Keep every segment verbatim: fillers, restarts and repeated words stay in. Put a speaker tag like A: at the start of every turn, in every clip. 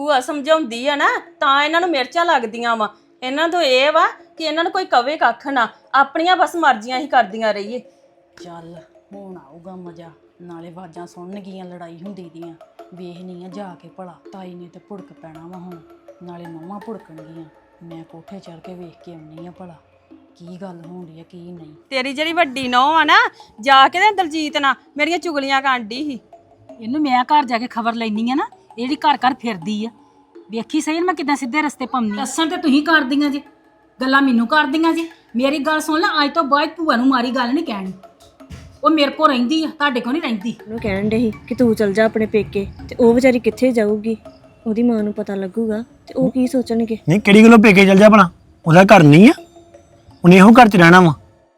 A: ਭੂਆ ਸਮਝਾਉਂਦੀ ਆ ਨਾ ਤਾਂ ਇਹਨਾਂ ਨੂੰ ਮਿਰਚਾਂ ਲੱਗਦੀਆਂ ਵਾ। ਇਹਨਾਂ ਤੋਂ ਇਹ ਵਾ ਕਿ ਇਹਨਾਂ ਨੂੰ ਕੋਈ ਕਵੇ ਕੱਖ ਨਾ, ਆਪਣੀਆਂ ਬਸ ਮਰਜ਼ੀਆਂ ਹੀ ਕਰਦੀਆਂ ਰਹੀਏ।
B: ਚੱਲ ਹੁਣ ਆਊਗਾ ਮਜ਼ਾ, ਨਾਲੇ ਆਵਾਜ਼ਾਂ ਸੁਣਨਗੀਆਂ ਲੜਾਈ ਹੁੰਦੀ ਦੀਆਂ। ਵੇਖਣੀ ਆ ਜਾ ਕੇ ਭਲਾ, ਤਾਈ ਨੇ ਤੇ ਭੁੜਕ ਪੈਣਾ ਵਾ ਹੁਣ, ਨਾਲੇ ਨੌਵਾਂ ਭੁੜਕਣਗੀਆਂ। ਮੈਂ ਕੋਠੇ ਚੜ ਕੇ ਵੇਖ ਕੇ ਆਉਣੀ ਆ ਭਲਾ ਕੀ ਗੱਲ ਹੋਣ ਡਈ ਆ ਕੀ ਨਹੀਂ।
A: ਤੇਰੀ ਜਿਹੜੀ ਵੱਡੀ ਨੌਂ ਆ ਨਾ, ਜਾ ਕੇ ਤੇ ਦਲਜੀਤ ਨਾਲ ਮੇਰੀਆਂ ਚੁਗਲੀਆਂ ਕਾਂਢੀ ਸੀ।
C: ਇਹਨੂੰ ਮੈਂ ਘਰ ਜਾ ਕੇ ਖਬਰ ਲੈਣੀ ਆ ਨਾ, ਇਹ ਜਿਹੜੀ ਘਰ ਘਰ ਫਿਰਦੀ ਆ, ਵੇਖੀ ਸਹੀ ਮੈਂ ਕਿੱਦਾਂ ਸਿੱਧੇ ਰਸਤੇ ਪਾਉਣੀ। ਦੱਸਣ ਤੇ ਤੁਸੀਂ ਕਰਦੀਆਂ ਜੇ, ਗੱਲਾਂ ਮੈਨੂੰ ਕਰਦੀਆਂ ਜੇ। ਮੇਰੀ ਗੱਲ ਸੁਣ ਲੈ, ਅੱਜ ਤੋਂ ਬਾਅਦ ਭੂਆ ਨੂੰ ਮਾਰੀ ਗੱਲ ਨਹੀਂ ਕਹਿਣੀ। ਉਹ ਮੇਰੇ ਕੋਲ ਰਹਿੰਦੀ ਆ, ਤੁਹਾਡੇ ਕੋਲ ਨਹੀਂ ਰਹਿੰਦੀ।
D: ਉਹਨੂੰ ਕਹਿਣ ਡੇ ਸੀ ਕਿ ਤੂੰ ਚਲ ਜਾ ਆਪਣੇ ਪੇਕੇ, ਤੇ ਉਹ ਵਿਚਾਰੀ ਕਿੱਥੇ ਜਾਊਗੀ? ਉਹਦੀ ਮਾਂ ਨੂੰ ਪਤਾ ਲੱਗੂਗਾ ਤੇ ਉਹ ਕੀ ਸੋਚਣਗੇ?
E: ਨਹੀਂ ਕਿਹੜੀ ਗੱਲੋਂ ਪੇਕੇ ਚਲ ਜਾ ਭਲਾ, ਉਹਦਾ ਘਰ ਨਹੀਂ ਆ, ਉਹਨੇ ਇਹੋ ਘਰ ਚ ਰਹਿਣਾ ਵਾ।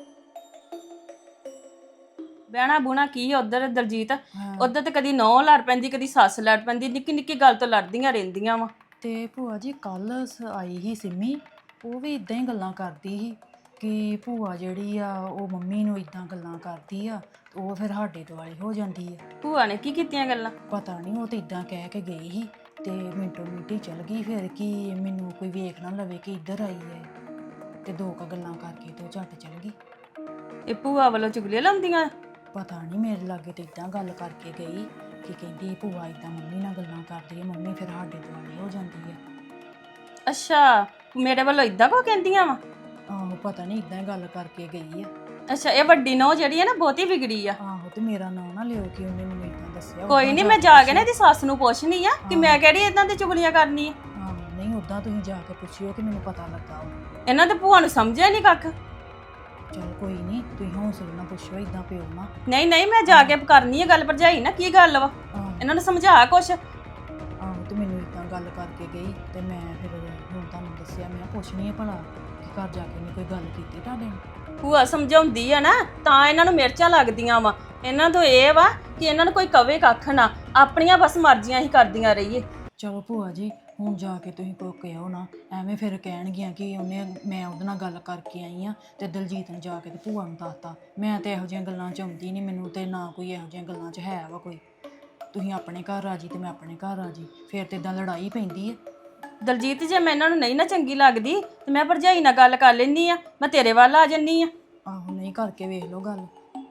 A: ਬਹਿਣਾ ਬੁਣਾ ਕੀ ਉਧਰ ਦਲਜੀਤ, ਉਧਰ ਤੇ ਕਦੀ ਨੌਂ ਲੜ ਪੈਂਦੀ, ਕਦੀ ਸੱਸ ਲੜ ਪੈਂਦੀ, ਨਿੱਕੀ ਨਿੱਕੀ ਗੱਲ ਤੋਂ ਲੜਦੀਆਂ ਰਹਿੰਦੀਆਂ ਵਾ।
B: ਤੇ ਭੂਆ ਜੀ ਕੱਲ ਆਈ ਸੀ ਸਿੰਮੀ, ਉਹ ਵੀ ਇਦਾਂ ਹੀ ਗੱਲਾਂ ਕਰਦੀ ਸੀ ਕਿ ਭੂਆ ਜਿਹੜੀ ਆ ਉਹ ਮੰਮੀ ਨੂੰ ਇਦਾਂ ਗੱਲਾਂ ਕਰਦੀ ਆ, ਉਹ ਫਿਰ ਸਾਡੇ ਦੁਆਲੇ ਹੋ ਜਾਂਦੀ ਆ।
A: ਭੂਆ ਨੇ ਕੀ ਕੀਤੀਆਂ ਗੱਲਾਂ?
B: ਪਤਾ ਨਹੀਂ, ਉਹ ਤਾਂ ਇਦਾਂ ਕਹਿ ਕੇ ਗਈ ਸੀ ਤੇ ਮਿੰਟੋ ਮਿੰਟੀ ਚਲ ਗਈ। ਫਿਰ ਕੀ ਮੈਨੂੰ ਕੋਈ ਵੇਖ ਨਾ ਲਵੇ ਕਿ ਇੱਧਰ ਆਈ ਹੈ, ਤੇ ਦੋ ਕ ਗੱਲਾਂ ਕਰਕੇ ਤੇ ਉਹ ਝੱਟ ਚਲ ਗਈ।
A: ਇਹ ਭੂਆ ਵੱਲੋਂ ਚੁਗਲੀਆਂ ਲਾਉਂਦੀਆਂ?
B: ਪਤਾ ਨਹੀਂ, ਮੇਰੇ ਲਾਗੇ ਤੇ ਇਦਾਂ ਗੱਲ ਕਰਕੇ ਗਈ ਕਿ ਕਹਿੰਦੀ ਭੂਆ ਇਦਾਂ ਮੰਮੀ ਨਾਲ ਗੱਲਾਂ ਕਰਦੀ ਹੈ, ਮੰਮੀ ਫਿਰ ਸਾਡੇ ਦੁਆਲੇ ਹੋ ਜਾਂਦੀ ਹੈ।
A: ਅੱਛਾ, ਮੇਰੇ ਵੱਲੋਂ ਇਦਾਂ ਕੋ ਕਹਿੰਦੀਆਂ ਵਾ?
B: ਆਹੋ ਪਤਾ ਨਹੀਂ, ਇਦਾਂ ਹੀ ਗੱਲ ਕਰਕੇ ਗਈ ਆ।
A: ਅੱਛਾ, ਇਹ ਵੱਡੀ ਨੌਂ ਜਿਹੜੀ ਹੈ ਨਾ ਬਹੁਤੀ ਵਿਗੜੀ ਆ।
B: ਆਹੋ ਤੇ ਮੇਰਾ ਨਾਂ ਨਾ ਲਿਓ ਕਿ ਉਹਨੇ ਮੈਨੂੰ ਇਦਾਂ ਦੱਸਿਆ।
A: ਕੋਈ ਨਹੀਂ, ਮੈਂ ਜਾ ਕੇ ਨਾ ਇਹਦੀ ਸੱਸ ਨੂੰ ਪੁੱਛਣੀ ਆ ਕਿ ਮੈਂ ਕਿਹੜੀ ਇਦਾਂ ਦੀ ਚੁਗਲੀਆਂ ਕਰਨੀ ਆ।
B: ਹਾਂ ਨਹੀਂ, ਉਦਾਂ ਤੁਸੀਂ ਜਾ ਕੇ ਪੁੱਛਿਓ ਕਿ ਮੈਨੂੰ ਪਤਾ ਲੱਗਾ।
A: ਇਹਨਾਂ ਤੇ ਭੂਆ ਨੂੰ ਸਮਝਿਆ ਨਹੀਂ ਕੱਖ।
B: ਚਲ ਕੋਈ ਨਹੀਂ, ਤੁਸੀਂ ਹੌਸਲੇ ਨਾਲ ਪੁੱਛੋ, ਇਦਾਂ ਪਿਓ ਨਾ।
A: ਨਹੀਂ ਨਹੀਂ, ਮੈਂ ਜਾ ਕੇ ਕਰਨੀ ਆ ਗੱਲ ਭਰਜਾਈ ਨਾ, ਕੀ ਗੱਲ ਵਾ ਇਹਨਾਂ ਨੂੰ ਸਮਝਾ ਕੁਛ।
B: ਆਹੋ ਤੇ ਮੈਨੂੰ ਇਦਾਂ ਗੱਲ ਕਰਕੇ ਗਈ ਤੇ ਮੈਂ ਫਿਰ ਹੁਣ ਤੁਹਾਨੂੰ ਦੱਸਿਆ। ਮੈਂ ਪੁੱਛਣੀ ਆ ਭਲਾ ਕਿ ਘਰ ਜਾ ਕੇ ਨਹੀਂ ਕੋਈ ਗੱਲ ਕੀਤੀ ਤੁਹਾਡੇ ਨਾਲ।
A: ਭੂਆ ਸਮਝਾਉਂਦੀ ਆ ਨਾ ਤਾਂ ਇਹਨਾਂ ਨੂੰ ਮਿਰਚਾਂ ਲੱਗਦੀਆਂ ਵਾ। ਇਹਨਾਂ ਤੋਂ ਇਹ ਵਾ ਕਿ ਇਹਨਾਂ ਨੂੰ ਕੋਈ ਕਵੇ ਕੱਖ ਨਾ, ਆਪਣੀਆਂ ਬਸ ਮਰਜ਼ੀਆਂ ਹੀ ਕਰਦੀਆਂ ਰਹੀਏ।
B: ਚਲੋ ਭੂਆ ਜੀ, ਹੁਣ ਜਾ ਕੇ ਤੁਸੀਂ ਕੋ ਕਹਿਓ ਨਾ, ਐਵੇਂ ਫਿਰ ਕਹਿਣਗੀਆਂ ਕਿ ਉਹਨੇ ਮੈਂ ਉਹਦੇ ਨਾਲ ਗੱਲ ਕਰਕੇ ਆਈ ਆ ਤੇ ਦਲਜੀਤ ਨੇ ਜਾ ਕੇ ਤੇ ਭੂਆ ਨੂੰ ਦੱਸਤਾ। ਮੈਂ ਤੇ ਇਹੋ ਜਿਹੀਆਂ ਗੱਲਾਂ 'ਚ ਆਉਂਦੀ ਨਹੀਂ, ਮੈਨੂੰ ਤੇ ਨਾ ਕੋਈ ਇਹੋ ਜਿਹੀਆਂ ਗੱਲਾਂ 'ਚ ਹੈ ਵਾ ਕੋਈ। ਤੁਸੀਂ ਆਪਣੇ ਘਰ ਰਾਜੀ ਤੇ ਮੈਂ ਆਪਣੇ ਘਰ ਰਾਜੀ, ਫਿਰ ਤੇ ਇਦਾਂ ਲੜਾਈ ਪੈਂਦੀ ਹੈ।
A: ਦਲਜੀਤ, ਜੇ ਮੈਂ ਇਹਨਾਂ ਨੂੰ ਨਹੀਂ ਨਾ ਚੰਗੀ ਲੱਗਦੀ ਤੇ ਮੈਂ ਭਰਜਾਈ ਨਾਲ ਗੱਲ ਕਰ ਲੈਂਦੀ ਆ, ਮੈਂ ਤੇਰੇ ਵੱਲ ਆ ਜੰਨੀ ਆ।
B: ਆਹੋ ਨਹੀਂ, ਕਰਕੇ ਵੇਖ ਲਓ ਗੱਲ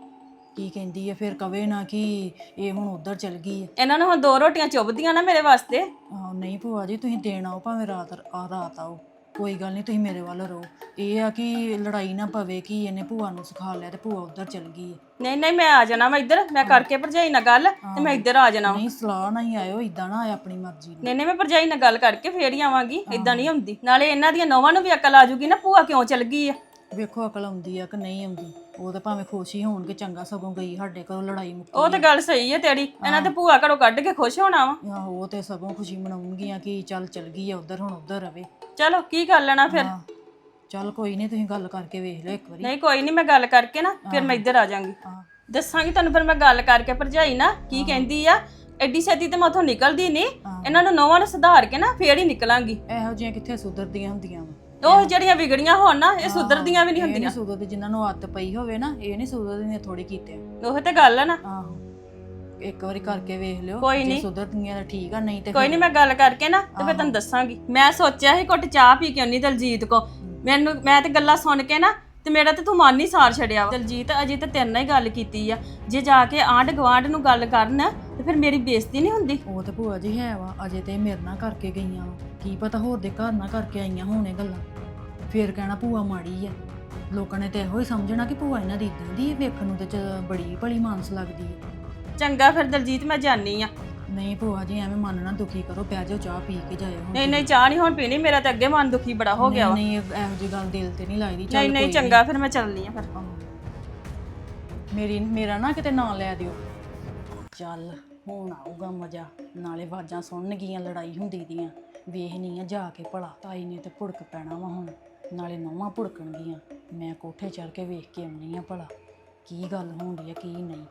B: ਕੀ ਕਹਿੰਦੀ ਹੈ, ਫਿਰ ਕਵੇ ਨਾ ਕਿ ਇਹ ਹੁਣ ਉੱਧਰ ਚਲ ਗਈ ਹੈ।
A: ਇਹਨਾਂ ਨੂੰ ਹੁਣ ਦੋ ਰੋਟੀਆਂ ਚੁੱਭਦੀਆਂ ਨਾ ਮੇਰੇ ਵਾਸਤੇ।
B: ਆਹੋ ਨਹੀਂ ਭੂਆ ਜੀ, ਤੁਸੀਂ ਦੇਣ ਆਓ ਭਾਵੇਂ ਰਾਤ ਆ ਰਾਤ ਆਓ, ਕੋਈ ਗੱਲ ਨਹੀਂ, ਤੁਸੀਂ ਮੇਰੇ ਵੱਲ ਰਹੋ। ਇਹ ਆ ਕਿ ਲੜਾਈ ਨਾ ਪਵੇ ਕਿ ਇਹਨੇ ਭੂਆ ਨੂੰ ਸਿਖਾ ਲਿਆ ਤੇ ਭੂਆ ਉੱਧਰ ਚਲ ਗਈ ਹੈ।
A: ਨਹੀਂ ਨਹੀਂ, ਮੈਂ ਆ ਜਾਣਾ ਵਾ ਇੱਧਰ, ਮੈਂ ਕਰਕੇ ਭਰਜਾਈ ਨਾਲ ਗੱਲ ਤੇ ਮੈਂ ਇੱਧਰ ਆ ਜਾਣਾ।
B: ਨਹੀਂ ਸਲਾਹ ਨਾਲ ਹੀ ਆਇਓ, ਇਦਾਂ ਨਾ ਆਏ ਆਪਣੀ ਮਰਜ਼ੀ ਨਾਲ।
A: ਨਹੀਂ ਨਹੀਂ, ਮੈਂ ਭਰਜਾਈ ਨਾਲ ਗੱਲ ਕਰਕੇ ਫੇਰ ਹੀ ਆਵਾਂਗੀ, ਇਦਾਂ ਨਹੀਂ ਆਉਂਦੀ। ਨਾਲੇ ਇਹਨਾਂ ਦੀਆਂ ਨੌਵਾਂ ਨੂੰ ਵੀ ਅਕਲ ਆ ਜੂਗੀ ਨਾ ਭੂਆ ਕਿਉਂ ਚਲ ਗਈ ਆ।
B: ਵੇਖੋ ਅਕਲ ਆਉਂਦੀ ਆ ਕਿ ਨਹੀਂ ਆਉਂਦੀ, ਉਹ ਤਾਂ ਭਾਵੇਂ ਖੁਸ਼ ਹੀ ਹੋਣਗੇ, ਚੰਗਾ ਸਗੋਂ ਗਈ ਸਾਡੇ ਘਰੋਂ ਲੜਾਈ ਮੁੱਕੀ।
A: ਉਹ ਤਾਂ ਗੱਲ ਸਹੀ ਹੈ ਤੇਰੀ, ਇਹਨਾਂ ਤੇ ਭੂਆ ਘਰੋਂ ਕੱਢ ਕੇ ਖੁਸ਼ ਹੋਣਾ ਵਾ।
B: ਆਹੋ ਉਹ ਤੇ ਸਗੋਂ ਖੁਸ਼ੀ ਮਨਾਉਣਗੀਆਂ ਕਿ ਚੱਲ ਚਲ ਗਈ ਆ ਉੱਧਰ, ਹੁਣ ਉੱਧਰ ਰਵੇ।
A: ਚਲੋ ਕੀ ਕਰ ਲੈਣਾ ਫਿਰ।
B: ਚੱਲ ਕੋਈ ਨਹੀਂ, ਤੁਸੀਂ ਗੱਲ ਕਰਕੇ ਵੇਖ ਲਿਓ ਇੱਕ ਵਾਰੀ।
A: ਨਹੀਂ ਕੋਈ ਨਹੀਂ, ਮੈਂ ਗੱਲ ਕਰਕੇ ਨਾ ਫਿਰ ਮੈਂ ਇੱਧਰ ਆ ਜਾਾਂਗੀ, ਦੱਸਾਂਗੀ ਤੁਹਾਨੂੰ। ਫਿਰ ਮੈਂ ਗੱਲ ਕਰਕੇ ਭਰਜਾਈ ਨਾ ਕੀ ਕਹਿੰਦੀ ਆ। ਐਡੀ ਛੇਤੀ ਤੇ ਮੈਂ ਉੱਥੋਂ ਨਿਕਲਦੀ ਨਹੀਂ, ਇਹਨਾਂ ਨੂੰ ਨੌਵਾਂ ਨੂੰ ਸੁਧਾਰ ਕੇ ਨਾ ਫੇਰ ਹੀ ਨਿਕਲਾਂਗੀ।
B: ਇਹੋ ਜਿਹੀਆਂ ਕਿੱਥੇ ਸੁਧਰਦੀਆਂ ਹੁੰਦੀਆਂ ਵਾ।
A: ਉਹ ਜਿਹੜੀਆਂ ਵਿਗੜੀਆਂ ਹੋਣ ਨਾ, ਇਹ ਸੁਧਰਦੀਆਂ ਵੀ ਨਹੀਂ ਹੁੰਦੀਆਂ।
B: ਸੁਧਰਦੇ ਜਿਨ੍ਹਾਂ ਨੂੰ ਆਦਤ ਪਈ ਹੋਵੇ ਨਾ, ਇਹ ਨਹੀਂ ਸੁਧਰਦੀਆਂ ਥੋੜੀ ਕੀਤੇ।
A: ਉਹ ਤੇ ਗੱਲ ਆ ਨਾ।
B: ਆਹੋ ਇੱਕ ਵਾਰੀ ਕਰਕੇ ਵੇਖ ਲਿਓ,
A: ਕੋਈ
B: ਜੇ ਸੁਧਰਦੀਆਂ ਤਾਂ ਠੀਕ ਆ, ਨਹੀਂ ਤੇ
A: ਕੋਈ ਨਹੀਂ, ਮੈਂ ਗੱਲ ਕਰਕੇ ਨਾ ਤੇ ਫਿਰ ਤੁਹਾਨੂੰ ਦੱਸਾਂਗੀ। ਮੈਂ ਸੋਚਿਆ ਸੀ ਘੁੱਟ ਚਾਹ ਪੀ ਕੇ ਆਉਣੀ ਦਲਜੀਤ ਕੋ, ਮੈਨੂੰ ਮੈਂ ਤੇ ਗੱਲਾਂ ਸੁਣ ਕੇ ਨਾ ਤੇ ਮੇਰਾ ਤੇ ਤੂੰ ਮਨ ਹੀ ਸਾਰ ਛੜਿਆ ਵਾ। ਦਲਜੀਤ ਅਜੇ ਤੇ ਤੇਰੇ ਨਾਲ ਹੀ ਗੱਲ ਕੀਤੀ ਆ, ਜੇ ਜਾ ਕੇ ਆਂਢ ਗਵਾਂਢ ਨੂੰ ਗੱਲ ਕਰਨ ਤੇ ਫਿਰ ਮੇਰੀ ਬੇਇੱਜ਼ਤੀ ਨਹੀਂ ਹੁੰਦੀ।
B: ਉਹ ਤੇ ਭੂਆ ਜੀ ਹੈ ਵਾ, ਅਜੇ ਤੇ ਮੇਰੇ ਨਾਲ ਕਰਕੇ ਗਈਆਂ, ਕੀ ਪਤਾ ਹੋਰ ਦੇ ਘਰ ਨਾਲ ਕਰਕੇ ਆਈਆਂ ਹੋਣੇ ਗੱਲਾਂ, ਫੇਰ ਕਹਿਣਾ ਭੂਆ ਮਾੜੀ ਆ। ਲੋਕਾਂ ਨੇ ਤੇ ਇਹੋ ਹੀ ਸਮਝਣਾ ਕਿ ਭੂਆ ਇਹਨਾਂ ਦੀ ਇਦਾਂ ਦੀ ਵੇਖਣ ਨੂੰ ਤੇ ਬੜੀ ਭਲੀ ਮਾਨਸ ਲੱਗਦੀ ਹੈ।
A: ਚੰਗਾ ਫਿਰ ਦਲਜੀਤ, ਮੈਂ ਜਾਣੀ ਆ।
B: ਨਹੀਂ ਭੂਆ ਜੀ, ਐਵੇਂ ਮਨ ਨਾ ਦੁਖੀ ਕਰੋ, ਪੈ ਜਾਓ ਚਾਹ ਪੀ ਕੇ ਜਾਇਓ।
A: ਨਹੀਂ ਨਹੀਂ, ਚਾਹ ਨਹੀਂ ਹੁਣ ਪੀਣੀ, ਮੇਰਾ ਤਾਂ ਅੱਗੇ ਮਨ ਦੁਖੀ ਬੜਾ ਹੋ ਗਿਆ ਵਾ।
B: ਨਹੀਂ ਇਹੋ ਜਿਹੀ ਗੱਲ ਦਿਲ ਤੇ ਨਹੀਂ ਲੱਗਦੀ।
A: ਨਹੀਂ ਨਹੀਂ, ਚੰਗਾ ਫਿਰ ਮੈਂ ਚੱਲਨੀ ਆ। ਫਿਰ
B: ਮੇਰੀ ਮੇਰਾ ਨਾ ਕਿਤੇ ਨਾਂ ਲੈ ਦਿਓ। ਚੱਲ ਹੁਣ ਆਊਗਾ ਮਜ਼ਾ, ਨਾਲੇ ਆਵਾਜ਼ਾਂ ਸੁਣਨਗੀਆਂ ਲੜਾਈ ਹੁੰਦੀ ਦੀਆਂ। ਵੇਖਣੀ ਆ ਜਾ ਕੇ ਭਲਾ, ਤਾਈ ਨੇ ਤੇ ਭੁੜਕ ਪੈਣਾ ਵਾ ਹੁਣ, ਨਾਲੇ ਨੌਵਾਂ ਭੁੜਕਣਗੀਆਂ। ਮੈਂ ਕੋਠੇ ਚੜ ਕੇ ਵੇਖ ਕੇ ਆਉਣੀ ਆ ਭਲਾ ਕੀ ਗੱਲ ਹੋਣ ਡਈ ਆ ਕੀ ਨਹੀਂ।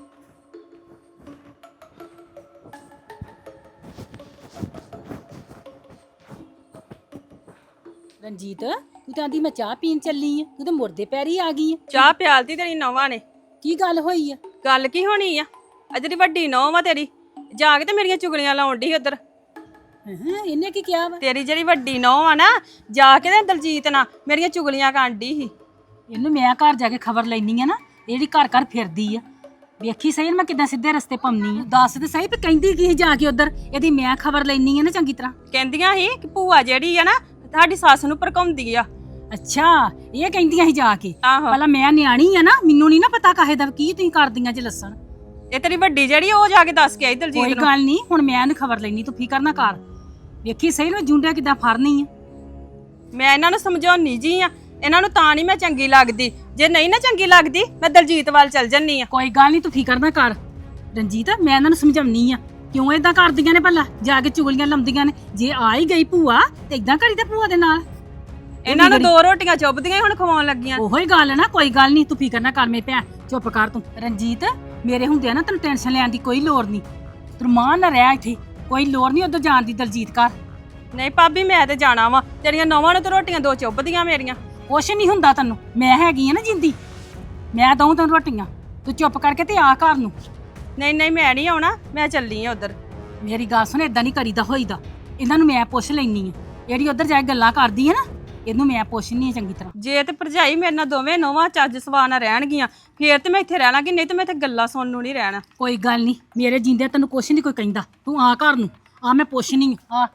C: ਰਣਜੀਤ, ਤੂੰ ਤਾਂ ਆਂਦੀ ਮੈਂ ਚਾਹ ਪੀਣ ਚੱਲੀ ਆ, ਤੂੰ ਤਾਂ ਮੁਰਦੇ ਪੈਰੀ ਆ ਗਈ ਆ।
A: ਚਾਹ ਪਿਆਲਤੀ ਤੇਰੀ ਨੌਵਾਂ ਨੇ।
C: ਕੀ ਗੱਲ ਹੋਈ ਆ?
A: ਗੱਲ ਕੀ ਹੋਣੀ ਆ, ਆ ਜਿਹੜੀ ਵੱਡੀ ਨੌਂ ਵਾ ਤੇਰੀ, ਜਾ ਕੇ ਤੇ ਮੇਰੀਆਂ ਚੁਗਲੀਆਂ ਲਾਉਣ ਡਈ ਉਧਰ।
C: ਹਾਂ ਇਹਨੇ ਕੀ ਕਿਹਾ ਵਾ?
A: ਤੇਰੀ ਜਿਹੜੀ ਵੱਡੀ ਨੌਂ ਆ ਨਾ, ਜਾ ਕੇ ਤੇ ਦਲਜੀਤ ਨਾਲ ਮੇਰੀਆਂ ਚੁਗਲੀਆਂ ਕਾਂਢੀ ਸੀ।
C: ਇਹਨੂੰ ਮੈਂ ਘਰ ਜਾ ਕੇ ਖਬਰ ਲੈਣੀ ਆ ਨਾ, ਇਹ ਜਿਹੜੀ ਘਰ ਘਰ ਫਿਰਦੀ ਆ। ਵੇਖੀ ਸਹੀ ਮੈਂ ਕਿੱਦਾਂ ਸਿੱਧੇ ਰਸਤੇ ਪਾਉਣੀ ਆ। ਦੱਸ ਤੇ ਸਹੀ ਵੀ ਕਹਿੰਦੀ ਕੀ ਸੀ ਜਾ ਕੇ ਉਧਰ, ਇਹਦੀ ਮੈਂ ਖਬਰ ਲੈਣੀ ਆ ਨਾ ਚੰਗੀ ਤਰ੍ਹਾਂ।
A: ਕਹਿੰਦੀਆਂ ਸੀ ਕਿ ਭੂਆ ਜਿਹੜੀ ਆ ਨਾ ਤੁਹਾਡੀ ਸੱਸ ਨੂੰ ਭੜਕਾਉਂਦੀ ਆ।
C: ਅੱਛਾ ਇਹ ਕਹਿੰਦੀਆਂ ਸੀ ਜਾ ਕੇ।
A: ਆਹੋ,
C: ਪਹਿਲਾਂ ਮੈਂ ਨਿਆਣੀ ਆ ਨਾ, ਮੈਨੂੰ ਨਹੀਂ ਨਾ ਪਤਾ ਕਾਹੇ ਦਾ ਕੀ ਤੁਸੀਂ ਕਰਦੀਆਂ ਜੇ ਲੱਸਣ।
A: ਇਹ ਤੇਰੀ ਵੱਡੀ ਜਿਹੜੀ ਉਹ ਜਾ ਕੇ ਦੱਸ ਕੇ ਆਈ
C: ਕੋਈ
A: ਦਲਜੀਤ ਨੂੰ।
C: ਗੱਲ ਨਹੀਂ, ਹੁਣ ਮੈਂ ਇਹਨੂੰ ਖਬਰ ਲੈਣੀ, ਤੂੰ ਫਿਕਰ ਨਾ ਕਰ। ਵੇਖੀ ਸਹੀ ਮੈਂ ਜੁੰਡਿਆ ਕਿੱਦਾਂ ਫੜਨੀ ਆ।
A: ਮੈਂ ਇਹਨਾਂ ਨੂੰ ਸਮਝਾਉਣੀ ਜੀ ਆ, ਇਹਨਾਂ ਨੂੰ ਤਾਂ ਨਹੀਂ ਮੈਂ ਚੰਗੀ ਲੱਗਦੀ। ਜੇ ਨਹੀਂ ਨਾ ਚੰਗੀ ਲੱਗਦੀ ਮੈਂ ਦਲਜੀਤ ਵੱਲ ਚੱਲ ਜੰਨੀ ਆ।
C: ਕੋਈ ਗੱਲ ਨਹੀਂ, ਤੂੰ ਫਿਕਰ ਨਾ ਕਰ ਰਣਜੀਤ, ਮੈਂ ਇਹਨਾਂ ਨੂੰ ਸਮਝਾਉਣੀ ਆ ਕਿਉਂ ਏਦਾਂ ਕਰਦੀਆਂ ਨੇ, ਭਲਾ ਜਾ ਕੇ ਚੁਗਲੀਆਂ ਲਾਉਂਦੀਆਂ ਨੇ। ਜੇ ਆ ਹੀ ਗਈ ਭੂਆ ਤੇ ਏਦਾਂ ਕਰੀ ਤੇ ਭੂਆ ਦੇ ਨਾਲ।
A: ਇਹਨਾਂ ਨੂੰ ਦੋ ਰੋਟੀਆਂ ਚੁੱਭਦੀਆਂ ਹੀ ਹੁਣ ਖਵਾਉਣ ਲੱਗੀਆਂ।
C: ਉਹੋ ਹੀ ਗੱਲ ਹੈ ਨਾ, ਕੋਈ ਗੱਲ ਨਹੀਂ, ਤੂੰ ਫਿਕਰ ਨਾ ਕਰ ਮੇਰੇ ਭੈਣ, ਚੁੱਪ ਕਰ ਤੂੰ। ਰਣਜੀਤ ਮੇਰੇ ਹੁੰਦਿਆਂ ਨਾ ਤੈਨੂੰ ਟੈਨਸ਼ਨ ਲੈਣ ਦੀ ਕੋਈ ਲੋੜ ਨਹੀਂ, ਤੂੰ ਮਾਂ ਨਾ ਰਹਿ ਇੱਥੇ, ਕੋਈ ਲੋੜ ਨਹੀਂ ਉਧਰ ਜਾਣ ਦੀ ਦਲਜੀਤ ਘਰ।
A: ਨਹੀਂ ਭਾਬੀ ਮੈਂ ਤੇ ਜਾਣਾ ਵਾ, ਤੇਰੀਆਂ ਨੌਵਾਂ ਨੂੰ ਤੇ ਰੋਟੀਆਂ ਦੋ ਚੁੱਭਦੀਆਂ ਮੇਰੀਆਂ।
C: ਕੁਛ ਨਹੀਂ ਹੁੰਦਾ ਤੈਨੂੰ, ਮੈਂ ਹੈਗੀ ਆ ਨਾ ਜਿੰਦੀ, ਮੈਂ ਦਊਂ ਤੈਨੂੰ ਰੋਟੀਆਂ, ਤੂੰ ਚੁੱਪ ਕਰਕੇ ਤੇ ਆ ਘਰ ਨੂੰ।
A: ਨਹੀਂ ਨਹੀਂ ਮੈਂ ਨਹੀਂ ਆਉਣਾ, ਮੈਂ ਚੱਲੀ ਆ ਉਧਰ।
C: ਮੇਰੀ ਗੱਲ ਸੁਣ, ਏਦਾਂ ਨਹੀਂ ਕਰੀਦਾ ਹੋਈਦਾ, ਇਹਨਾਂ ਨੂੰ ਮੈਂ ਪੁੱਛ ਲੈਣੀ ਆ। ਜਿਹੜੀ ਉਧਰ ਜਾ ਕੇ ਗੱਲਾਂ ਕਰਦੀ ਆ ਨਾ, ਇਹਨੂੰ ਮੈਂ ਪੁੱਛਣੀ ਆ ਚੰਗੀ ਤਰ੍ਹਾਂ।
A: ਜੇ ਤੇ ਭਰਜਾਈ ਮੇਰੇ ਨਾਲ ਦੋਵੇਂ ਨੌਵਾਂ ਚੱਜ ਸਵਾ ਨਾਲ ਰਹਿਣਗੀਆਂ ਫੇਰ ਤੇ ਮੈਂ ਇੱਥੇ ਰਹਿ ਲਾਂਗੀ, ਨਹੀਂ ਤੇ ਮੈਂ ਇੱਥੇ ਗੱਲਾਂ ਸੁਣਨ ਨੂੰ ਨਹੀਂ ਰਹਿਣਾ।
C: ਕੋਈ ਗੱਲ ਨਹੀਂ, ਮੇਰੇ ਜਿੰਦੇ ਤੈਨੂੰ ਕੁਛ ਨਹੀਂ ਕੋਈ ਕਹਿੰਦਾ, ਤੂੰ ਆ ਘਰ ਨੂੰ ਆ, ਮੈਂ ਪੁੱਛਣੀ ਆ।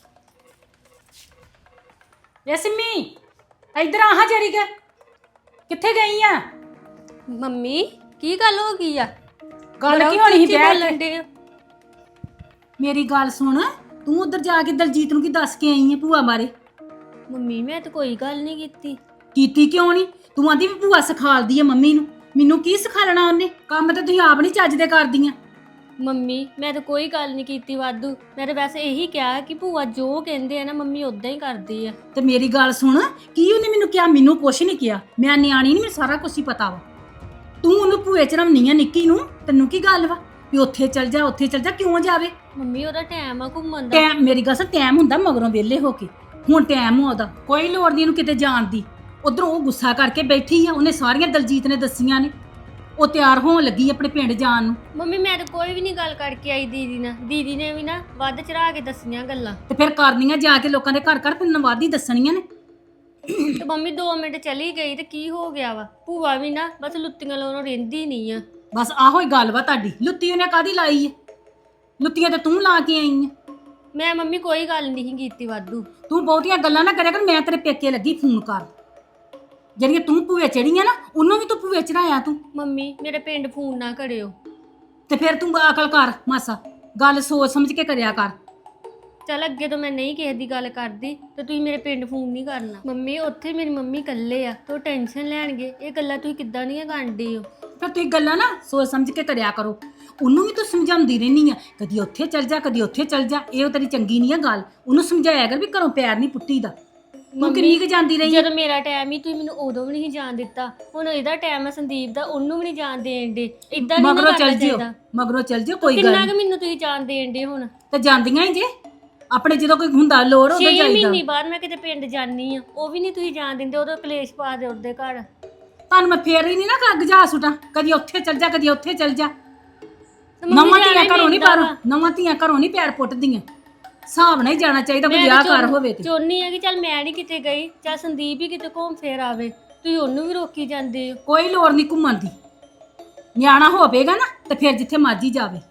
C: ਵੇ ਸਿੰਮੀ ਇੱਧਰ ਆ ਹਾਂ ਜਰੀ ਕੇ, ਕਿੱਥੇ ਗਈ ਆ?
F: ਮੰਮੀ ਕੀ ਗੱਲ ਹੋ ਗਈ ਆ?
C: ਗੱਲ ਕੀ ਹੋਣੀ ਸੀ ਬਹਿ ਕੇ?
F: ਕੇ
C: ਮੇਰੀ ਗੱਲ ਸੁਣ, ਤੂੰ ਉਧਰ ਜਾ ਕੇ ਦਲਜੀਤ ਨੂੰ ਕੀ ਦੱਸ ਕੇ ਆਈ ਹੈ ਭੂਆ ਬਾਰੇ?
F: ਮੰਮੀ ਮੈਂ ਤਾਂ ਕੋਈ ਗੱਲ ਨਹੀਂ ਕੀਤੀ।
C: ਕੀਤੀ ਕਿਉਂ ਨਹੀਂ? ਤੂੰ ਆਂਦੀ ਵੀ ਭੂਆ ਸਿਖਾਲਦੀ ਹੈ ਮੰਮੀ ਨੂੰ, ਮੈਨੂੰ ਕੀ ਸਿਖਾਲਣਾ ਉਹਨੇ? ਕੰਮ ਤੇ ਤੁਸੀਂ ਆਪ ਨਹੀਂ ਚੱਜ ਦੇ ਕਰਦੀਆਂ।
F: ਮੰਮੀ ਮੈਂ ਤਾਂ ਕੋਈ ਗੱਲ ਨਹੀਂ ਕੀਤੀ ਵਾਧੂ, ਮੈਂ ਤਾਂ ਵੈਸੇ ਇਹੀ ਕਿਹਾ ਕਿ ਭੂਆ ਜੋ ਕਹਿੰਦੇ ਆ ਨਾ ਮੰਮੀ ਉਦਾਂ ਹੀ ਕਰਦੀ ਆ।
C: ਤੇ ਮੇਰੀ ਗੱਲ ਸੁਣ, ਕੀ ਉਹਨੇ ਮੈਨੂੰ ਕਿਹਾ? ਮੈਨੂੰ ਕੁਛ ਨਹੀਂ ਕਿਹਾ, ਮੈਂ ਨਿਆਣੀ ਨਹੀਂ, ਮੈਨੂੰ ਸਾਰਾ ਕੁਝ ਹੀ ਪਤਾ ਵਾ। ਤੂੰ ਉਹਨੂੰ ਭੂਏ ਚ ਰਮਨੀ ਆ ਨਿੱਕੀ ਨੂੰ, ਤੈਨੂੰ ਕੀ ਗੱਲ ਵਾ ਵੀ ਉੱਥੇ ਚੱਲ ਜਾ ਉੱਥੇ ਚੱਲ ਜਾ? ਕਿਉਂ ਜਾਵੇ?
F: ਮੰਮੀ ਉਹਦਾ ਟਾਈਮ ਆ ਘੁੰਮਣ ਦਾ।
C: ਟਾਈਮ, ਮੇਰੀ ਗੱਲ ਸੁਣ, ਟਾਈਮ ਹੁੰਦਾ ਮਗਰੋਂ ਵਿਹਲੇ ਹੋ ਕੇ, ਹੁਣ ਟਾਈਮ ਆ ਉਹਦਾ, ਕੋਈ ਲੋੜ ਨਹੀਂ ਇਹਨੂੰ ਕਿਤੇ ਜਾਣ ਦੀ। ਉਧਰੋਂ ਉਹ ਗੁੱਸਾ ਕਰਕੇ ਬੈਠੀ ਆ, ਉਹਨੇ ਸਾਰੀਆਂ ਦਲਜੀਤ ਨੇ ਦੱਸੀਆਂ ਨੇ, ਉਹ ਤਿਆਰ ਹੋਣ ਲੱਗੀ ਆਪਣੇ ਪਿੰਡ ਜਾਣ ਨੂੰ।
F: ਮੰਮੀ ਮੈਂ ਤਾਂ ਕੋਈ ਵੀ ਨਹੀਂ ਗੱਲ ਕਰਕੇ ਆਈ ਦੀਦੀ ਨਾਲ, ਦੀਦੀ ਨੇ ਵੀ ਨਾ ਵੱਧ ਚੜਾ ਕੇ ਦੱਸੀਆਂ ਗੱਲਾਂ।
C: ਤੇ ਫਿਰ ਕਰਨੀਆਂ ਜਾ ਕੇ ਲੋਕਾਂ ਦੇ ਘਰ ਘਰ ਤੈਨੂੰ ਵਾਦੀ ਦੱਸਣੀਆਂ ਨੇ।
F: ਤੇ ਮੰਮੀ ਦੋ ਮਿੰਟ ਚਲੀ ਗਈ ਤੇ ਕੀ ਹੋ ਗਿਆ ਵਾ? ਭੂਆ ਵੀ ਨਾ ਬਸ ਲੁੱਤੀਆਂ ਲਾਉਣੋਂ ਰਹਿੰਦੀ ਨਹੀਂ ਆ।
C: ਬਸ ਆਹੋ ਹੀ ਗੱਲ ਵਾ ਤੁਹਾਡੀ, ਲੁੱਤੀ ਉਹਨੇ ਕਾਦੀ ਲਾਈ ਏ? ਲੁੱਤੀਆਂ ਤੇ ਤੂੰ ਲਾ ਕੇ ਆਈ ਏ।
F: ਮੈਂ ਮੰਮੀ ਕੋਈ ਗੱਲ ਨਹੀਂ ਕੀਤੀ ਵਾਧੂ।
C: ਤੂੰ ਬਹੁਤੀਆਂ ਗੱਲਾਂ ਨਾ ਕਰਿਆ ਕਰ, ਮੈਂ ਤੇਰੇ ਪੇਕੇ ਲੱਗੀ ਫੋਨ ਕਰ। ਜਿਹੜੀਆਂ ਤੂੰ ਭੂਏ ਚੜੀਆਂ ਨਾ, ਉਹਨੂੰ ਵੀ ਤੂੰ ਭੂਏ ਚੜਾਇਆ ਤੂੰ।
F: ਮੰਮੀ ਮੇਰੇ ਪਿੰਡ ਫੋਨ ਨਾ ਕਰਿਓ।
C: ਤੇ ਫਿਰ ਤੂੰ ਅਕਲ ਕਰ ਮਾਸਾ, ਗੱਲ ਸੋਚ ਸਮਝ ਕੇ ਕਰਿਆ ਕਰ।
F: ਚੱਲ ਅੱਗੇ ਤੋਂ ਮੈਂ ਨਹੀਂ ਕਿਸੇ ਦੀ ਗੱਲ ਕਰਦੀ ਤੇ ਤੁਸੀਂ ਮੇਰੇ ਪਿੰਡ ਫੋਨ ਨਹੀਂ ਕਰਨਾ। ਮੰਮੀ ਉੱਥੇ ਮੇਰੀ ਮੰਮੀ ਇਕੱਲੇ ਆ ਤੇ ਉਹ ਟੈਨਸ਼ਨ ਲੈਣਗੇ। ਇਹ ਗੱਲਾਂ ਤੁਸੀਂ ਕਿੱਦਾਂ ਦੀਆਂ ਕਰਦੇ ਹੋ?
C: ਫਿਰ ਤੁਸੀਂ ਗੱਲਾਂ ਨਾ ਸੋਚ ਸਮਝ ਕੇ ਕਰਿਆ ਕਰੋ। ਉਹਨੂੰ ਵੀ ਤੂੰ ਸਮਝਾਉਂਦੀ ਰਹਿਨੀ ਆ, ਕਦੀ ਉੱਥੇ ਚੱਲ ਜਾ ਕਦੀ ਉੱਥੇ ਚੱਲ ਜਾ, ਇਹ ਤੇਰੀ ਚੰਗੀ ਨਹੀਂ ਆ ਗੱਲ। ਉਹਨੂੰ ਸਮਝਾਇਆ ਕਰ ਵੀ ਘਰੋਂ ਪੈਰ ਨਹੀਂ ਪੁੱਟੀ ਦਾ। ਤੂੰ ਕਿੰਨੀ ਕੁ ਜਾਂਦੀ ਰਹੀ?
F: ਜਦੋਂ ਮੇਰਾ ਟਾਈਮ ਹੀ ਤੁਸੀਂ ਮੈਨੂੰ ਉਦੋਂ ਵੀ ਨਹੀਂ ਜਾਣ ਦਿੱਤਾ, ਹੁਣ ਇਹਦਾ ਟਾਈਮ ਹੈ ਸੰਦੀਪ ਦਾ, ਉਹਨੂੰ ਵੀ ਨਹੀਂ ਜਾਣ ਦੇਣ ਦੇ। ਇਦਾਂ ਨਹੀਂ
C: ਮਗਰੋਂ
F: ਕਰਨਾ
C: ਚੱਲ ਜਿਓ,
F: ਚਾਹੀਦਾ।
C: ਮਗਰੋਂ ਚੱਲ ਜਿਓ, ਕੋਈ ਗੱਲ
F: ਕਿੰਨਾ
C: ਨਹੀਂ।
F: ਕੁ ਮੈਨੂੰ ਤੁਸੀਂ ਜਾਣ ਦੇਣ ਦੇ? ਹੁਣ
C: ਤੇ ਜਾਂਦੀਆਂ ਹੀ ਜੇ ਆਪਣੇ, ਜਦੋਂ ਕੋਈ ਹੁੰਦਾ ਲੋੜ ਉਦੋਂ
F: ਛੇ
C: ਜਾਈਦਾ।
F: ਮਹੀਨੇ ਬਾਅਦ ਮੈਂ ਕਿਤੇ ਪਿੰਡ ਜਾਨੀ ਆ, ਉਹ ਵੀ ਨਹੀਂ ਤੁਸੀਂ ਜਾਣ ਦਿੰਦੇ। ਉਦੋਂ ਕਲੇਸ਼ ਪਾ ਦੇ ਉਹਦੇ ਘਰ।
C: ਤੁਹਾਨੂੰ ਮੈਂ ਫੇਰ ਹੀ ਨਹੀਂ ਨਾ ਕੱਗ ਜਾ ਸੁਟਾਂ, ਕਦੀ ਉੱਥੇ ਚੱਲ ਜਾ ਕਦੀ ਉੱਥੇ ਚੱਲ ਜਾ।
F: ਤੇ ਮੰਮੀ
C: ਨਵਾਂ
F: ਜਾਣਾ
C: ਧੀਆਂ
F: ਹੀ
C: ਘਰੋਂ ਨਹੀਂ
F: ਪੈਂਦਾ
C: ਪਰ
F: ਵਾ।
C: ਨਵਾਂ ਧੀਆਂ ਘਰੋਂ ਨਹੀਂ ਪੈਰ ਪੁੱਟਦੀਆਂ, ਹਿਸਾਬ ਨਾਲ ਹੀ ਜਾਣਾ ਚਾਹੀਦਾ ਕੋਈ
F: ਮੈਂ
C: ਵਿਆਹ
F: ਤਾਂ
C: ਕਰ ਹੋਵੇ ਤੇ।
F: ਚਾਹੁੰਦੀ ਆ ਕਿ ਚੱਲ ਮੈਂ ਨਹੀਂ ਕਿਤੇ ਗਈ, ਚੱਲ ਸੰਦੀਪ ਹੀ ਕਿਤੇ ਘੁੰਮ ਫੇਰ ਆਵੇ, ਤੁਸੀਂ ਉਹਨੂੰ ਵੀ ਰੋਕੀ ਜਾਂਦੇ ਹੋ।
C: ਕੋਈ ਲੋੜ ਨਹੀਂ ਘੁੰਮਣ ਦੀ, ਨਿਆਣਾ ਹੋਵੇਗਾ ਨਾ ਤੇ ਫਿਰ ਜਿੱਥੇ ਮਰਜੀ ਜਾਵੇ।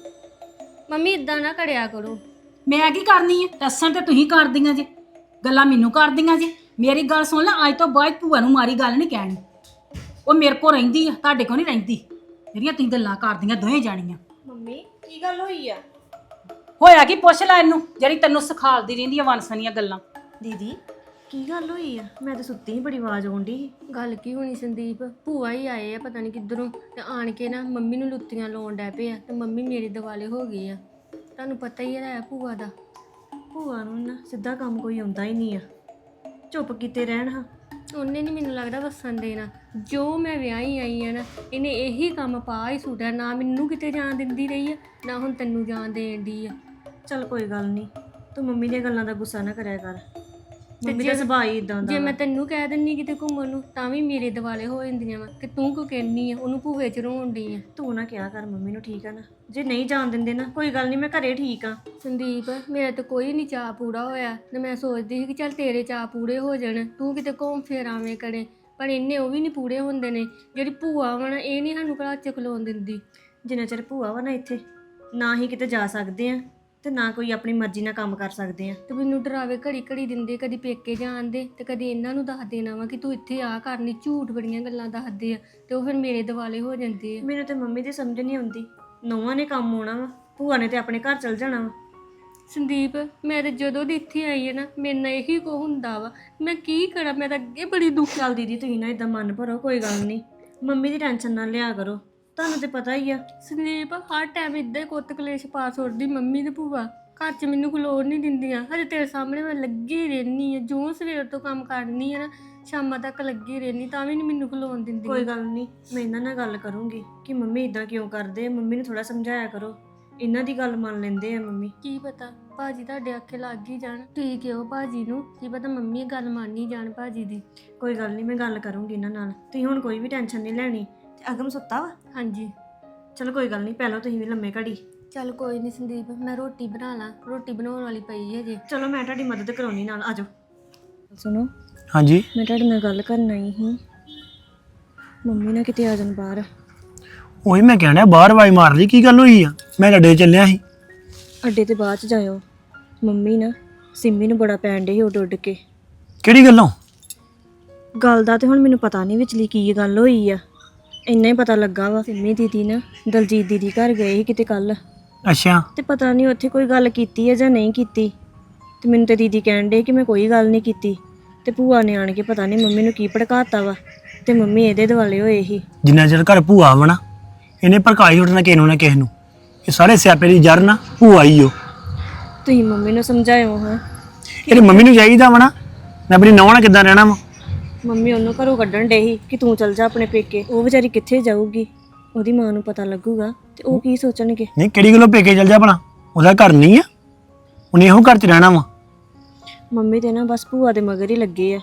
F: ਮੰਮੀ ਇਦਾਂ ਨਾ ਕਰਿਆ ਕਰੋ।
C: ਮੈਂ ਕੀ ਕਰਨੀ ਹੈ? ਦੱਸਣ ਤੇ ਤੁਸੀਂ ਕਰਦੀਆਂ ਜੇ, ਗੱਲਾਂ ਮੈਨੂੰ ਕਰਦੀਆਂ ਜੇ। ਮੇਰੀ ਗੱਲ ਸੁਣ ਲੈ, ਅੱਜ ਤੋਂ ਬਾਅਦ ਭੂਆ ਨੂੰ ਮਾਰੀ ਗੱਲ ਨਹੀਂ ਕਹਿਣੀ। ਉਹ ਮੇਰੇ ਕੋਲ ਰਹਿੰਦੀ ਆ, ਤੁਹਾਡੇ ਕੋਲ ਨਹੀਂ ਰਹਿੰਦੀ। ਜਿਹੜੀਆਂ ਤੁਸੀਂ ਗੱਲਾਂ ਕਰਦੀਆਂ ਦੋਵੇਂ ਜਾਣੀਆਂ।
D: ਮੰਮੀ ਕੀ ਗੱਲ ਹੋਈ ਆ?
C: ਹੋਇਆ ਕੀ? ਪੁੱਛ ਲੈ ਇਹਨੂੰ, ਜਿਹੜੀ ਤੈਨੂੰ ਸਿਖਾਲਦੀ ਰਹਿੰਦੀ ਆ ਵਨਸਨੀਆਂ ਗੱਲਾਂ।
D: ਦੀਦੀ ਕੀ ਗੱਲ ਹੋਈ ਆ? ਮੈਂ ਤਾਂ ਸੁੱਤੀ ਹੀ, ਬੜੀ ਆਵਾਜ਼ ਆਉਂਦੀ ਸੀ।
F: ਗੱਲ ਕੀ ਹੋਣੀ ਸੰਦੀਪ, ਭੂਆ ਹੀ ਆਏ ਆ ਪਤਾ ਨਹੀਂ ਕਿੱਧਰੋਂ, ਤੇ ਆਣ ਕੇ ਨਾ ਮੰਮੀ ਨੂੰ ਲੁੱਤੀਆਂ ਲਾਉਣ ਡੈ ਪਏ ਆ, ਤੇ ਮੰਮੀ ਮੇਰੇ ਦਿਵਾਲੇ ਹੋ ਗਏ ਆ। ਤੁਹਾਨੂੰ ਪਤਾ ਹੀ ਹੈ ਭੂਆ ਦਾ।
D: ਭੂਆ ਨੂੰ ਨਾ ਸਿੱਧਾ ਕੰਮ ਕੋਈ ਆਉਂਦਾ ਹੀ ਨਹੀਂ ਆ, ਚੁੱਪ ਕੀਤੇ ਰਹਿਣ ਹਾਂ।
F: ਉਹਨੇ ਨਹੀਂ ਮੈਨੂੰ ਲੱਗਦਾ ਵਸਣ ਦੇਣਾ। ਜੋ ਮੈਂ ਵਿਆਹੀ ਆਈ ਆ ਨਾ, ਇਹਨੇ ਇਹੀ ਕੰਮ ਪਾ ਹੀ ਸੁੱਟਿਆ। ਨਾ ਮੈਨੂੰ ਕਿਤੇ ਜਾਣ ਦਿੰਦੀ ਰਹੀ ਆ, ਨਾ ਹੁਣ ਤੈਨੂੰ ਜਾਣ ਦੇਣ ਦੀ ਆ।
D: ਚੱਲ ਕੋਈ ਗੱਲ ਨਹੀਂ, ਤੂੰ ਮੰਮੀ ਦੀਆਂ ਗੱਲਾਂ ਦਾ ਗੁੱਸਾ ਨਾ ਕਰਿਆ ਕਰ। ਮੰਮੀ ਦਾ ਸੁਭਾਅ ਹੀ ਇਦਾਂ ਦਾ
F: ਜੇ
D: ਵਾ।
F: ਮੈਂ ਤੈਨੂੰ ਕਹਿ ਦਿੰਨੀ ਕਿਤੇ ਘੁੰਮਣ ਨੂੰ ਤਾਂ ਵੀ ਮੇਰੇ ਦਿਵਾਲੇ ਹੋ ਜਾਂਦੀਆਂ ਵਾ ਕਿ ਤੂੰ ਕਿਉਂ ਕਹਿੰਨੀ ਆ ਉਹਨੂੰ ਭੂਵੇ ਚ ਰੋਣ ਡਈ ਆ।
D: ਤੂੰ ਨਾ ਕਿਹਾ ਕਰ ਮੰਮੀ ਨੂੰ, ਠੀਕ ਆ ਨਾ? ਜੇ ਨਹੀਂ ਜਾਣ ਦਿੰਦੇ ਨਾ ਕੋਈ ਗੱਲ ਨਹੀਂ, ਮੈਂ ਘਰੇ ਠੀਕ ਆ।
F: ਸੰਦੀਪ ਮੇਰਾ ਤਾਂ ਕੋਈ ਨਹੀਂ ਚਾਅ ਪੂਰਾ ਹੋਇਆ ਤੇ ਮੈਂ ਸੋਚਦੀ ਸੀ ਕਿ ਚੱਲ ਤੇਰੇ ਚਾਅ ਪੂਰੇ ਹੋ ਜਾਣ, ਤੂੰ ਕਿਤੇ ਘੁੰਮ ਫਿਰ ਆਵੇਂ ਕਰੇ, ਪਰ ਇੰਨੇ ਉਹ ਵੀ ਨਹੀਂ ਪੂਰੇ ਹੁੰਦੇ ਨੇ। ਜਿਹੜੀ ਭੂਆ ਵਾ ਨਾ ਇਹ ਨਹੀਂ ਸਾਨੂੰ ਘਰ ਚ ਖਲੋਣ ਦਿੰਦੀ।
D: ਜਿੰਨਾ ਚਿਰ ਭੂਆ ਵਾ ਨਾ ਇੱਥੇ, ਨਾ ਹੀ ਕਿਤੇ ਜਾ ਸਕਦੇ ਆ ਤੇ ਨਾ ਕੋਈ ਆਪਣੀ ਮਰਜ਼ੀ ਨਾਲ ਕੰਮ ਕਰ ਸਕਦੇ ਆ।
F: ਤੇ ਮੈਨੂੰ ਡਰਾਵੇ ਘੜੀ ਘੜੀ ਦਿੰਦੇ, ਕਦੀ ਪੇਕੇ ਜਾਣਦੇ ਤੇ ਕਦੀ ਇਹਨਾਂ ਨੂੰ ਦੱਸ ਦੇਣਾ ਵਾ ਕਿ ਤੂੰ ਇੱਥੇ ਆ ਕਰਨੀ, ਝੂਠ ਬੜੀਆਂ ਗੱਲਾਂ ਦੱਸਦੇ ਆ ਤੇ ਉਹ ਫਿਰ ਮੇਰੇ ਦਿਵਾਲੇ ਹੋ ਜਾਂਦੇ ਆ।
D: ਮੈਨੂੰ ਤੇ ਮੰਮੀ ਦੀ ਸਮਝ ਨਹੀਂ ਆਉਂਦੀ, ਨੌਵਾਂ ਨੇ ਕੰਮ ਆਉਣਾ ਵਾ, ਭੂਆ ਨੇ ਤੇ ਆਪਣੇ ਘਰ ਚਲ ਜਾਣਾ ਵਾ।
F: ਸੰਦੀਪ ਮੈਂ ਤਾਂ ਜਦੋਂ ਦੀ ਇੱਥੇ ਆਈ ਹੈ ਨਾ ਮੇਰੇ ਨਾਲ ਇਹੀ ਕੋ ਹੁੰਦਾ ਵਾ, ਮੈਂ ਕੀ ਕਰਾਂ, ਮੈਂ ਤਾਂ ਅੱਗੇ ਬੜੀ ਦੁੱਖ।
D: ਚੱਲ ਦੀਦੀ ਤੁਸੀਂ ਨਾ ਇਦਾਂ ਮਨ ਭਰੋ, ਕੋਈ ਗੱਲ ਨਹੀਂ, ਮੰਮੀ ਦੀ ਟੈਨਸ਼ਨ ਨਾ ਲਿਆ ਕਰੋ, ਤੁਹਾਨੂੰ ਤੇ ਪਤਾ ਹੀ ਆ।
F: ਸੰਦੀਪ ਹਰ ਟਾਈਮ ਇੱਦਾਂ ਹੀ ਕੁੱਤ ਕਲੇਸ਼ ਪਾ ਛੋੜਦੀ ਮੰਮੀ ਤੇ ਭੂਆ, ਘਰ 'ਚ ਮੈਨੂੰ ਖਲੋਣ ਨਹੀਂ ਦਿੰਦੀਆਂ। ਹਜੇ ਤੇਰੇ ਸਾਹਮਣੇ ਮੈਂ ਲੱਗੀ ਰਹਿਨੀ ਆ, ਜੋ ਸਵੇਰ ਤੋਂ ਕੰਮ ਕਰਨੀ ਆ ਨਾ ਸ਼ਾਮਾਂ ਤੱਕ ਲੱਗੀ ਰਹਿਨੀ, ਤਾਂ ਵੀ ਨਹੀਂ ਮੈਨੂੰ ਖਲੋਣ ਦਿੰਦੀ।
D: ਕੋਈ ਗੱਲ ਨਹੀਂ, ਮੈਂ ਇਹਨਾਂ ਨਾਲ ਗੱਲ ਕਰੂੰਗੀ ਕਿ ਮੰਮੀ ਇਦਾਂ ਕਿਉਂ ਕਰਦੇ ਆ, ਮੰਮੀ ਨੂੰ ਥੋੜਾ ਸਮਝਾਇਆ ਕਰੋ, ਇਹਨਾਂ ਦੀ ਗੱਲ ਮੰਨ ਲੈਂਦੇ ਆ ਮੰਮੀ।
F: ਕੀ ਪਤਾ ਭਾਜੀ ਤੁਹਾਡੇ ਆਖੇ ਲੱਗ ਹੀ ਜਾਣ, ਠੀਕ ਹੈ ਉਹ ਭਾਜੀ ਨੂੰ ਕੀ ਪਤਾ ਮੰਮੀ ਗੱਲ ਮੰਨ ਹੀ ਜਾਣ ਭਾਜੀ ਦੀ।
D: ਕੋਈ ਗੱਲ ਨਹੀਂ, ਮੈਂ ਗੱਲ ਕਰੂੰਗੀ ਇਹਨਾਂ ਨਾਲ, ਤੁਸੀਂ ਹੁਣ ਕੋਈ ਵੀ ਟੈਨਸ਼ਨ ਨਹੀਂ ਲੈਣੀ। ਤੇ ਅਗਮ ਸੁੱਤਾ ਵਾ?
F: ਹਾਂਜੀ
D: ਚਲੋ ਕੋਈ ਗੱਲ ਨਹੀਂ, ਪਹਿਲਾਂ ਤੁਸੀਂ ਵੀ ਲੰਮੇ ਘੜੀ।
F: ਚੱਲ ਕੋਈ ਨਹੀਂ ਸੰਦੀਪ, ਮੈਂ ਰੋਟੀ ਬਣਾ ਲਾਂ, ਰੋਟੀ ਬਣਾਉਣ ਵਾਲੀ ਪਈ ਹੈ ਜੇ।
D: ਚਲੋ ਮੈਂ ਤੁਹਾਡੀ ਮਦਦ ਕਰਾਉਣੀ ਨਾਲ, ਆਜੋ। ਸੁਣੋ
E: ਹਾਂਜੀ
D: ਮੈਂ ਤੁਹਾਡੇ ਨਾਲ ਗੱਲ ਕਰਨ ਆਈ ਸੀ, ਮੰਮੀ ਨਾ ਕਿਤੇ ਆ ਜਾਣ ਬਾਹਰ।
E: ਉਹੀ ਮੈਂ ਕਹਿਣਾ, ਬਾਹਰ ਵਾਈ ਮਾਰ ਲਈ, ਕੀ ਗੱਲ ਹੋਈ ਆ? ਮੈਂ ਲੱਡੇ ਚੱਲਿਆ ਸੀ।
D: ਅੱਡੇ ਤੇ ਬਾਅਦ ਚ ਜਾਇਓ, ਮੰਮੀ ਨਾ ਸਿੰਮੀ ਨੂੰ ਬੜਾ ਪੈਣ ਡੇ ਸੀ ਉੱਡ ਉੱਡ ਕੇ।
E: ਕਿਹੜੀ ਗੱਲੋਂ?
D: ਗੱਲ ਦਾ ਤੇ ਹੁਣ ਮੈਨੂੰ ਪਤਾ ਨਹੀਂ ਵਿਚਲੀ ਕੀ ਗੱਲ ਹੋਈ ਆ, ਇੰਨਾ ਹੀ ਪਤਾ ਲੱਗਾ ਵਾ ਸਿੰਮੀ ਦੀਦੀ ਨਾ ਦਲਜੀਤ ਦੀਦੀ ਘਰ ਗਏ ਸੀ ਕਿਤੇ ਕੱਲ,
E: ਅੱਛਾ
D: ਤੇ ਪਤਾ ਨਹੀਂ ਉੱਥੇ ਕੋਈ ਗੱਲ ਕੀਤੀ ਹੈ ਜਾਂ ਨਹੀਂ ਕੀਤੀ। ਤੇ ਮੈਨੂੰ ਤੇ ਦੀਦੀ ਕਹਿਣ ਡੇ ਕਿ ਮੈਂ ਕੋਈ ਗੱਲ ਨਹੀਂ ਕੀਤੀ, ਤੇ ਭੂਆ ਨੇ ਆਣ ਕੇ ਪਤਾ ਨਹੀਂ ਮੰਮੀ ਨੂੰ ਕੀ ਭੜਕਾਤਾ ਵਾ, ਤੇ ਮੰਮੀ ਇਹਦੇ ਦੁਆਲੇ ਹੋਏ ਸੀ।
E: ਜਿੰਨਾ ਚਿਰ ਘਰ ਭੂਆ ਵਾ ਨਾ, ਇਹਨੇ ਭੜਕਾਈ ਉੱਠਣਾ ਕਿਸੇ ਨੂੰ ਨਾ ਕਿਸੇ ਨੂੰ। ਇਹ ਸਾਰੇ ਸਿਆਪੇ ਦੀ ਜੜ ਨਾ ਭੂਆ ਹੀ ਓ।
D: ਤੁਸੀਂ ਮੰਮੀ ਨੂੰ ਸਮਝਾਇਓ ਹਾਂ,
E: ਇਹਦੀ ਮੰਮੀ ਨੂੰ ਚਾਹੀਦਾ ਵਾ ਨਾ, ਮੈਂ ਆਪਣੀ ਨੌਂ ਨਾਲ ਕਿੱਦਾਂ ਰਹਿਣਾ ਵਾ।
D: ਮੰਮੀ ਉਹਨੂੰ ਘਰੋਂ ਕੱਢਣ ਡੇ ਸੀ ਕਿ ਤੂੰ ਚਲ ਜਾ ਆਪਣੇ ਪੇਕੇ, ਉਹ ਵਿਚਾਰੀ ਕਿੱਥੇ ਜਾਊਗੀ, ਉਹਦੀ ਮਾਂ ਨੂੰ ਪਤਾ ਲੱਗੂਗਾ ਤੇ ਉਹ ਕੀ ਸੋਚਣਗੇ।
E: ਨਹੀਂ ਕਿਹੜੀ ਗੱਲੋਂ ਪੇਕੇ ਚੱਲ ਜਾ ਭਲਾ, ਉਹਦਾ ਘਰ ਨਹੀਂ ਆ, ਉਹਨੇ ਇਹੋ ਘਰ 'ਚ ਰਹਿਣਾ ਵਾ।
D: ਮੰਮੀ ਤੇ ਨਾ ਬਸ ਭੂਆ ਦੇ ਮਗਰ ਹੀ ਲੱਗੇ ਆ।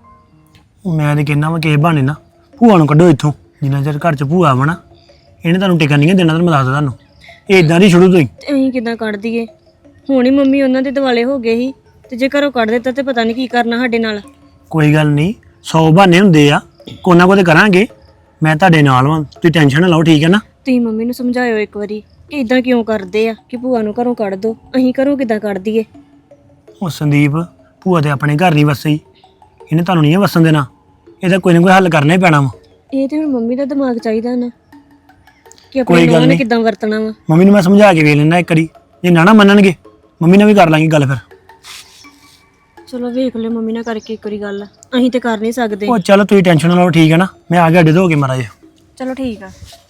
E: ਮੈਂ ਤੇ ਕਹਿੰਦਾ ਵਾ ਕਿਸੇ ਬਹਾਨੇ ਨਾ ਭੂਆ ਨੂੰ ਕੱਢੋ ਇੱਥੋਂ, ਜਿੰਨਾ ਚਿਰ ਘਰ 'ਚ ਭੂਆ ਵਾ ਨਾ ਇਹਨੇ ਤੁਹਾਨੂੰ ਟਿਕਣ ਨਹੀਂ ਦੇਣਾ, ਤੁਹਾਨੂੰ ਮੈਂ ਦੱਸਦਾ ਤੁਹਾਨੂੰ, ਇਹ ਇਦਾਂ ਦੀ ਸ਼ੁਰੂ ਤੋਂ ਹੀ।
D: ਤੇ ਅਸੀਂ ਕਿੱਦਾਂ ਕੱਢ ਦਈਏ, ਹੁਣ ਹੀ ਮੰਮੀ ਉਹਨਾਂ ਦੇ ਦਿਵਾਲੇ ਹੋ ਗਏ ਸੀ, ਤੇ ਜੇ ਘਰੋਂ ਕੱਢ ਦਿੱਤਾ ਤੇ ਪਤਾ ਨਹੀਂ ਕੀ ਕਰਨਾ ਸਾਡੇ ਨਾਲ।
E: ਕੋਈ ਗੱਲ ਨਹੀਂ, ਸੌ ਬਹਾਨੇ ਹੁੰਦੇ ਆ, ਕੋਨਾ ਕੋ ਤੇ ਕਰਾਂਗੇ, ਮੈਂ ਤੁਹਾਡੇ ਨਾਲ ਵਾਂ, ਤੁਸੀਂ ਟੈਨਸ਼ਨ ਨਾ ਲਓ, ਠੀਕ ਹੈ ਨਾ?
D: ਤੁਸੀਂ ਮੰਮੀ ਨੂੰ ਸਮਝਾਇਓ ਇੱਕ ਵਾਰੀ ਕਿ ਇਦਾਂ ਕਿਉਂ ਕਰਦੇ ਆ, ਕਿ ਭੂਆ ਨੂੰ ਘਰੋਂ ਕੱਢ ਦੋ, ਅਸੀਂ ਘਰੋਂ ਕਿੱਦਾਂ ਕੱਢ ਦਈਏ।
E: ਉਹ ਸੰਦੀਪ ਭੂਆ ਤੇ ਆਪਣੇ ਘਰ ਨਹੀਂ ਵਸਈ, ਇਹਨੇ ਤੁਹਾਨੂੰ ਨਹੀਂ ਵਸਣ ਦੇਣਾ, ਇਹਦਾ ਕੋਈ ਨਾ ਕੋਈ ਹੱਲ ਕਰਨਾ ਹੀ ਪੈਣਾ ਵਾ।
D: ਇਹ ਤੇ ਹੁਣ ਮੰਮੀ ਦਾ ਦਿਮਾਗ ਚਾਹੀਦਾ ਨਾ ਕਿ
E: ਕੋਈ
D: ਆਪਣੀ
E: ਗੱਲ
D: ਨੂੰਹ ਨੇ
E: ਨਹੀਂ।
D: ਕਿੱਦਾਂ ਵਰਤਣਾ ਵਾ।
E: ਮੰਮੀ ਨੂੰ ਮੈਂ ਸਮਝਾ ਕੇ ਵੇਖ ਲੈਣਾ ਇੱਕ ਵਾਰੀ, ਜੇ ਨਾ ਨਾ ਮੰਨਣਗੇ ਮੰਮੀ ਨਾਲ ਵੀ ਕਰ ਲਾਂਗੇ ਗੱਲ ਫਿਰ।
D: ਚਲੋ ਵੇਖ ਲਿਓ ਮੰਮੀ ਨਾਲ ਕਰਕੇ ਇੱਕ ਵਾਰੀ ਗੱਲ, ਅਸੀਂ ਤੇ ਕਰ ਨਹੀਂ ਸਕਦੇ।
E: ਉਹ ਚਲੋ ਤੁਸੀਂ ਟੈਨਸ਼ਨ ਨਾ ਲਓ, ਠੀਕ ਹੈ ਨਾ? ਮੈਂ ਆ ਗਿਆ ਅੱਡੇ ਤੋਂ ਹੋ ਕੇ ਮਾਰਾ ਜੀ।
D: ਚਲੋ ਠੀਕ ਆ।